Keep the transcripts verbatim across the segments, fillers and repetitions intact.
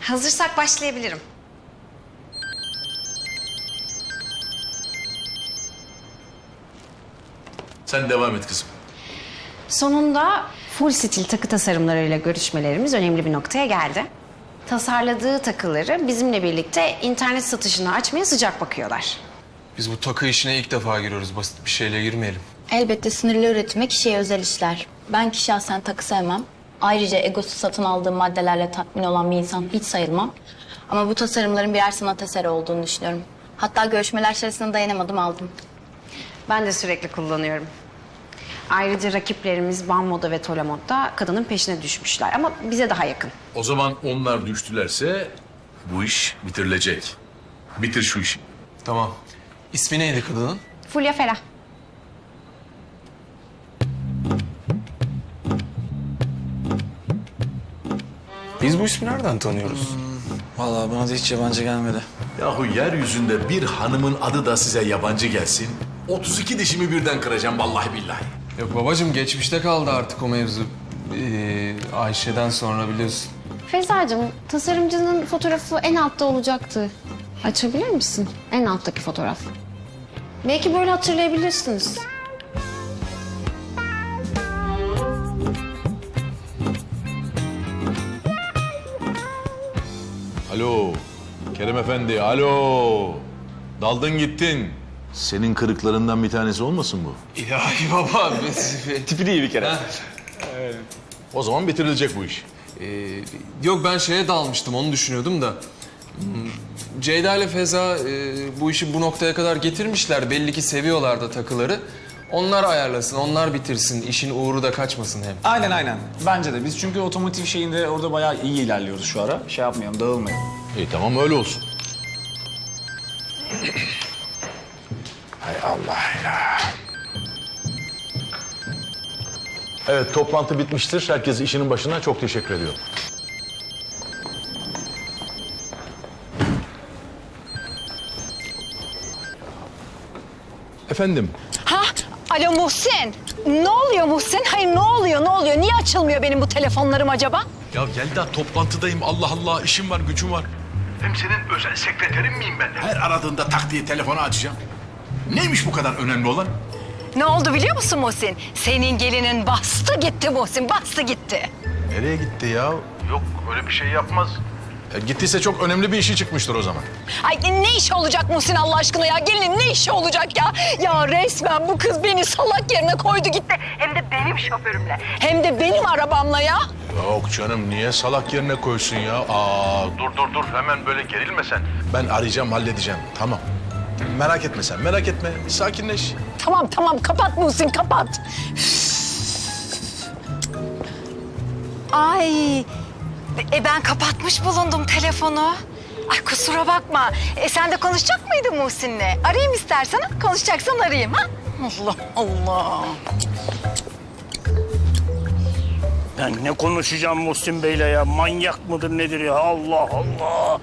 Hazırsak başlayabilirim. Sen devam et kızım. Sonunda full stil takı tasarımlarıyla görüşmelerimiz önemli bir noktaya geldi. Tasarladığı takıları bizimle birlikte internet satışını açmaya sıcak bakıyorlar. Biz bu takı işine ilk defa giriyoruz. Basit bir şeyle girmeyelim. Elbette sınırlı üretime kişiye özel işler. Ben ki şahsen takı sevmem. Ayrıca egosu satın aldığı maddelerle tatmin olan bir insan hiç sayılmam. Ama bu tasarımların birer sanat eseri olduğunu düşünüyorum. Hatta görüşmeler içerisinde dayanamadım, aldım. Ben de sürekli kullanıyorum. Ayrıca rakiplerimiz Banmoda ve Tolamod'da kadının peşine düşmüşler ama bize daha yakın. O zaman onlar düştülerse bu iş bitirilecek. Bitir şu işi. Tamam. İsmi neydi kadının? Fulya Ferah. Biz bu ismi nereden tanıyoruz? Vallahi bana da hiç yabancı gelmedi. Yahu yeryüzünde bir hanımın adı da size yabancı gelsin. otuz iki dişimi birden kıracağım vallahi billahi. Yok babacığım, geçmişte kaldı artık o mevzu. Ee, Ayşe'den sonra biliyorsun. Feyza'cığım, tasarımcının fotoğrafı en altta olacaktı. Açabilir misin? En alttaki fotoğraf. Belki böyle hatırlayabilirsiniz. Alo Kerem Efendi, alo. Daldın gittin. Senin kırıklarından bir tanesi olmasın bu? İlahi baba. Tipi iyi bir kere. O zaman bitirilecek bu iş. Ee, yok, ben şeye dalmıştım, onu düşünüyordum da. Hmm, Ceyda ile Feza e, bu işi bu noktaya kadar getirmişler. Belli ki seviyorlar da takıları. Onlar ayarlasın, onlar bitirsin. İşin uğru da kaçmasın hem. Aynen aynen. Bence de. Biz çünkü otomotiv şeyinde orada bayağı iyi ilerliyoruz şu ara. Şey yapmayalım, dağılmayalım. İyi tamam öyle olsun. Hay Allah ya. Evet, toplantı bitmiştir. Herkes işinin başına, çok teşekkür ediyorum. Efendim, Ha? Alo Muhsin. Ne oluyor Muhsin? Hayır ne oluyor ne oluyor? Niye açılmıyor benim bu telefonlarım acaba? ya Yelda toplantıdayım. Allah Allah, işim var, gücüm var. Hem senin özel sekreterin miyim ben? Her aradığında tak diye telefonu açacağım. Neymiş bu kadar önemli olan? Ne oldu biliyor musun Muhsin? Senin gelinin bastı gitti Muhsin, bastı gitti. Nereye gitti ya? Yok, öyle bir şey yapmaz. E, gittiyse çok önemli bir işi çıkmıştır o zaman. Ay ne işi olacak Muhsin Allah aşkına ya? Gelinin ne işi olacak ya? Ya resmen bu kız beni salak yerine koydu gitti. Hem de benim şoförümle. Hem de benim arabamla ya. Yok canım, niye salak yerine koysun ya? Aa, dur dur dur, hemen böyle gerilme sen. Ben arayacağım, halledeceğim. Tamam. Merak etme sen, merak etme. Bir sakinleş. Tamam tamam kapat Muhsin kapat. Ay e ben kapatmış bulundum telefonu. Ay kusura bakma. E sen de konuşacak mıydın Muhsin'le? Arayayım istersen. Ha? Konuşacaksan arayayım ha. Allah Allah. Ben ne konuşacağım Muhsin Bey'le ya? Manyak mıdır nedir ya? Allah Allah.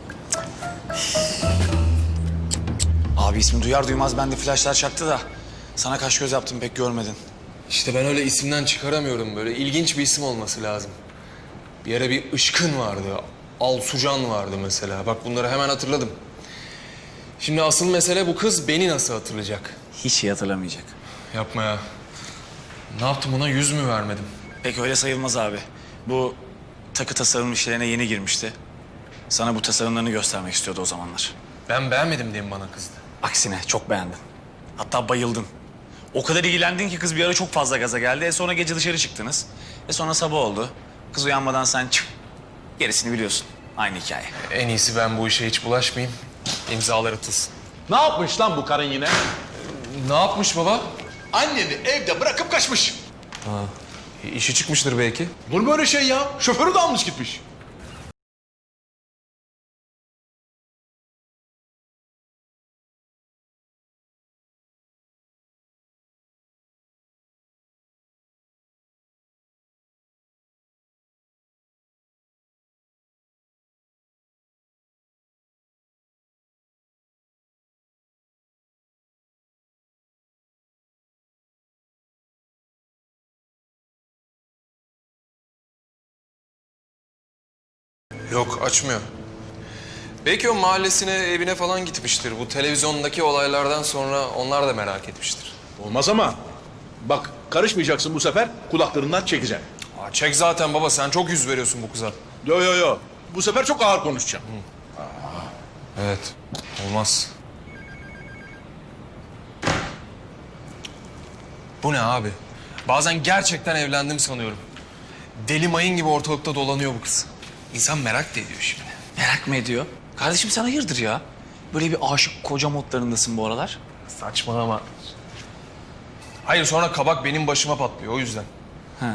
Abi ismi duyar duymaz bende flaşlar çaktı da. Sana kaş göz yaptım, pek görmedin. İşte ben öyle isimden çıkaramıyorum böyle. İlginç bir isim olması lazım. Bir ara bir Işkın vardı. Alsucan vardı mesela. Bak bunları hemen hatırladım. Şimdi asıl mesele bu kız beni nasıl hatırlayacak? Hiç iyi hatırlamayacak. Yapma ya. Ne yaptım, ona yüz mü vermedim? Pek öyle sayılmaz abi. Bu takı tasarım işlerine yeni girmişti. Sana bu tasarımlarını göstermek istiyordu o zamanlar. Ben beğenmedim diye mi bana kızdı? Aksine çok beğendin. Hatta bayıldın. O kadar ilgilendin ki kız bir ara çok fazla gaza geldi. E sonra gece dışarı çıktınız. E sonra sabah oldu. Kız uyanmadan sen çık. Gerisini biliyorsun. Aynı hikaye. En iyisi ben bu işe hiç bulaşmayayım. İmzalar atılsın. Ne yapmış lan bu karın yine? Ne yapmış baba? Anneni evde bırakıp kaçmış. İşi çıkmıştır belki. Olur mu öyle şey ya? Şoförü de almış gitmiş. Yok, açmıyor. Belki o mahallesine, evine falan gitmiştir. Bu televizyondaki olaylardan sonra onlar da merak etmiştir. Olmaz ama bak karışmayacaksın bu sefer, kulaklarından çekeceğim. Aa, çek zaten baba, sen çok yüz veriyorsun bu kıza. Yo yo yo. Bu sefer çok ağır konuşacağım. Evet, olmaz. Bu ne abi? Bazen gerçekten evlendim sanıyorum. Deli mayın gibi ortalıkta dolanıyor bu kız. İnsan merak da ediyor şimdi. Merak mı ediyor? Kardeşim sen hayırdır ya? Böyle bir aşık koca modlarındasın bu aralar. Saçmalama. Hayır, sonra kabak benim başıma patlıyor, o yüzden. Ha.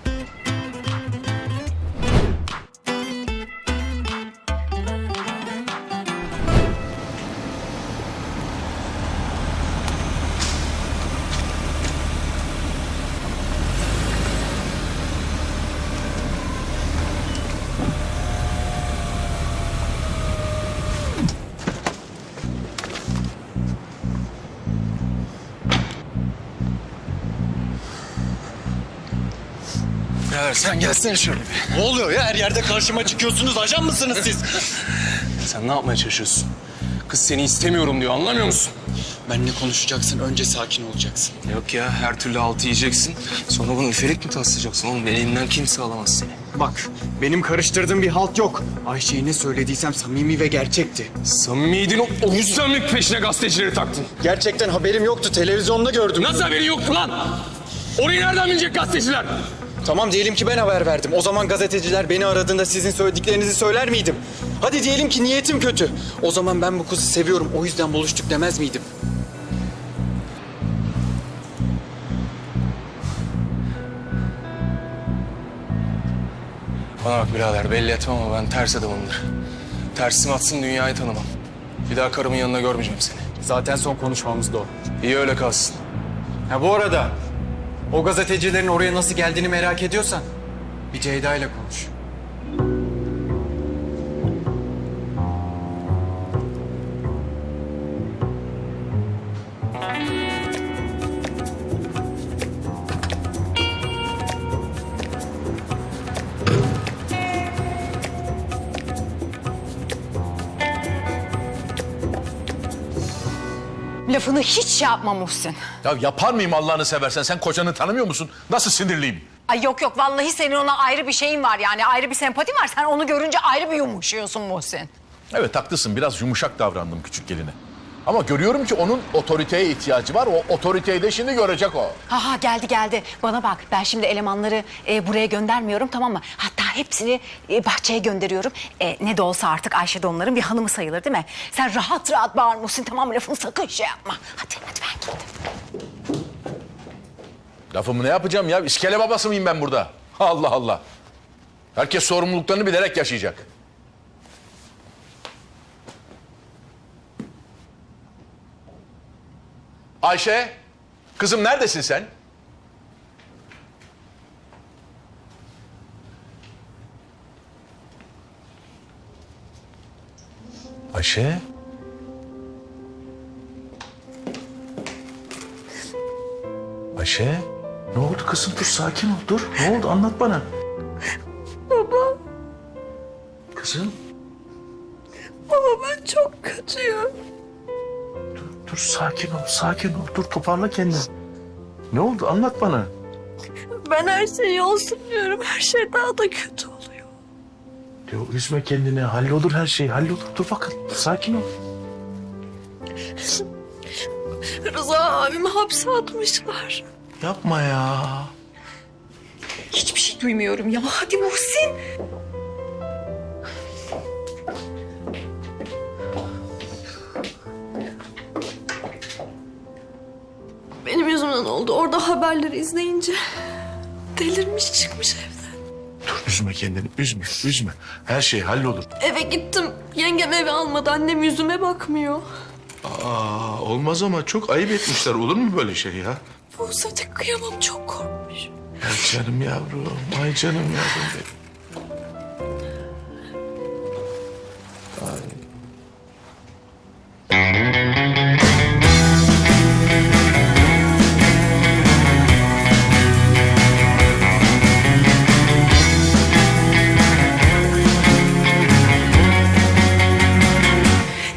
Birader sen gelsene şöyle bir. Ne oluyor ya? Her yerde karşıma çıkıyorsunuz. Ajan mısınız siz? Sen ne yapmaya çalışıyorsun? Kız seni istemiyorum diyor, anlamıyor musun? Benle konuşacaksın. Önce sakin olacaksın. Yok ya, her türlü altı yiyeceksin. Sonra bunu üfelik mi taslayacaksın oğlum? Elinden kimse alamaz seni. Bak, benim karıştırdığım bir halt yok. Ayşe'ye ne söylediysem samimi ve gerçekti. Samimiydin, o, o yüzden mi peşine gazetecileri taktın? Gerçekten haberim yoktu. Televizyonda gördüm. Nasıl haberin yoktu lan? Orayı nereden bilecek gazeteciler? Tamam, diyelim ki ben haber verdim. O zaman gazeteciler beni aradığında sizin söylediklerinizi söyler miydim? Hadi diyelim ki niyetim kötü. O zaman ben bu kızı seviyorum, o yüzden buluştuk demez miydim? Bana bak birader, belli etmem ama ben ters adamımdır. Tersim atsın, dünyayı tanımam. Bir daha karımın yanına görmeyeceğim seni. Zaten son konuşmamız da o. İyi öyle kalsın. Ha bu arada, o gazetecilerin oraya nasıl geldiğini merak ediyorsan bir Ceyda ile konuş. Lafını hiç şey yapma Muhsin. Ya yapar mıyım Allah'ını seversen? Sen kocanı tanımıyor musun? Nasıl sinirliyim? Ay yok yok vallahi senin ona ayrı bir şeyin var yani ayrı bir sempatin var. Sen onu görünce ayrı bir yumuşuyorsun Muhsin. Evet haklısın, biraz yumuşak davrandım küçük geline. Ama görüyorum ki onun otoriteye ihtiyacı var. O otoriteyi de şimdi görecek o. Ha ha geldi geldi. Bana bak ben şimdi elemanları e, buraya göndermiyorum tamam mı? Hatta hepsini e, bahçeye gönderiyorum. E, ne de olsa artık Ayşe de onların bir hanımı sayılır değil mi? Sen rahat rahat bağır Muhsin tamam mı? Lafını sakın şey yapma. Hadi hadi ben gittim. Lafımı ne yapacağım ya? İskele babası mıyım ben burada? Allah Allah. Herkes sorumluluklarını bilerek yaşayacak. Ayşe, kızım neredesin sen? Ayşe? Ayşe? Ne oldu kızım? Dur sakin ol, dur. Ne oldu? Anlat bana. Baba, Kızım, baba ben çok kötüyüm. dur sakin ol, sakin ol. Dur toparla kendini. Ne oldu? Anlat bana. Ben her şeyi olsun diyorum. Her şey daha da kötü oluyor. Yo, üzme kendini. Hallolur her şey. Hallolur. Dur bakın. Sakin ol. Rıza abimi hapse atmışlar. Yapma ya. Hiçbir şey duymuyorum ya. Hadi Muhsin. Benim yüzümden oldu. Orada haberleri izleyince delirmiş çıkmış evden. Dur üzme kendini. Üzme. Üzme. Her şey hallolur. Eve gittim. Yengem eve almadı. Annem yüzüme bakmıyor. Aa, olmaz ama çok ayıp etmişler. Olur mu böyle şey ya? Buse de kıyamam çok korkmuş. Ya canım yavrum. Ay canım yavrum benim.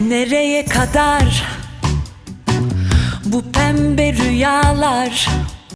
Nereye kadar bu pembe rüyalar?